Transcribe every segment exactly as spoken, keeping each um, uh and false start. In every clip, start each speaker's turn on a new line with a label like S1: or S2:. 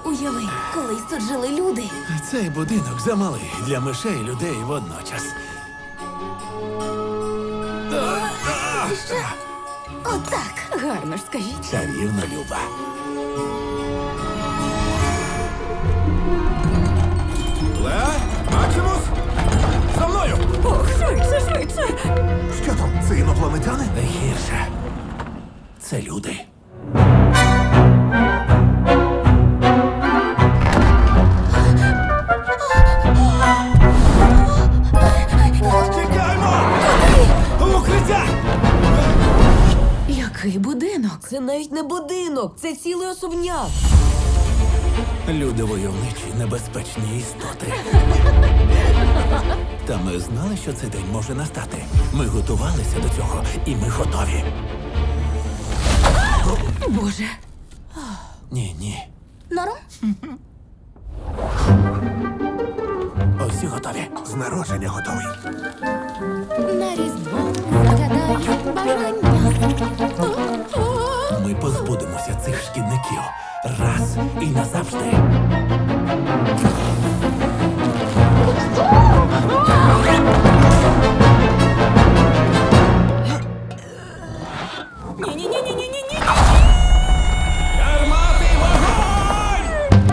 S1: Уяви, колись тут жили люди.
S2: Цей будинок замалий для мишей і людей водночас.
S1: Що? Отак. Гарно ж скажіть.
S2: Чарівно, Люба. Леа, Максимус! За мною!
S1: Ох, швидше, швидше.
S3: Що там? Це інопланетяни?
S2: Не гірше. Це люди. Тікаймо! В укриття!
S1: Який будинок? Це навіть не будинок, це цілий особняк.
S2: Люди войовничі, небезпечні істоти. Та ми знали, що цей день може настати. Ми готувалися до цього, і ми готові.
S1: Боже.
S2: Ні, ні.
S1: Норм?
S2: Усі готові.
S3: З народження готовий.
S1: На різдво загадаю бажання.
S2: Ми позбудемося цих шкідників раз і назавжди.
S1: Ні-ні-ні-ні-ні-ні.
S2: Гармати, вогонь!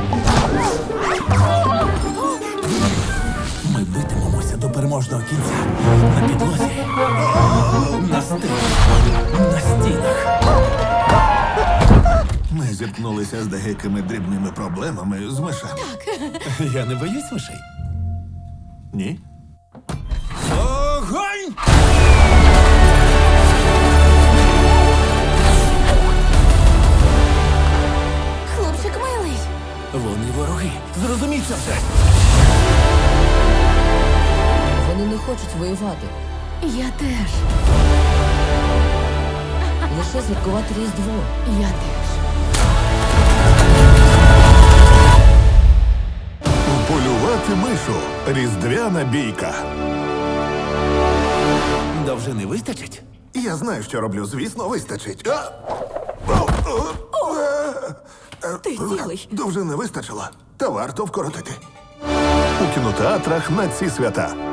S2: Ми битимемося до переможного кінця. На підлозі, на стелі, на стінах.
S3: Ми зіткнулися з деякими дрібними проблемами з мишами.
S2: Я не боюсь мишей.
S3: Ні?
S2: Огонь!
S1: Хлопчик милий.
S2: Вони вороги. Зрозуміть це все.
S4: Вони не хочуть воювати.
S1: Я теж.
S4: Лише святкувати Різдво.
S1: Я теж.
S3: Полювати мишу. Різдвяна бійка.
S2: Довжини вистачить?
S3: Я знаю, що роблю. Звісно, вистачить. А! О, о, е,
S1: Ти цілий.
S3: Довжини вистачило. Та варто вкоротити. У кінотеатрах на ці свята.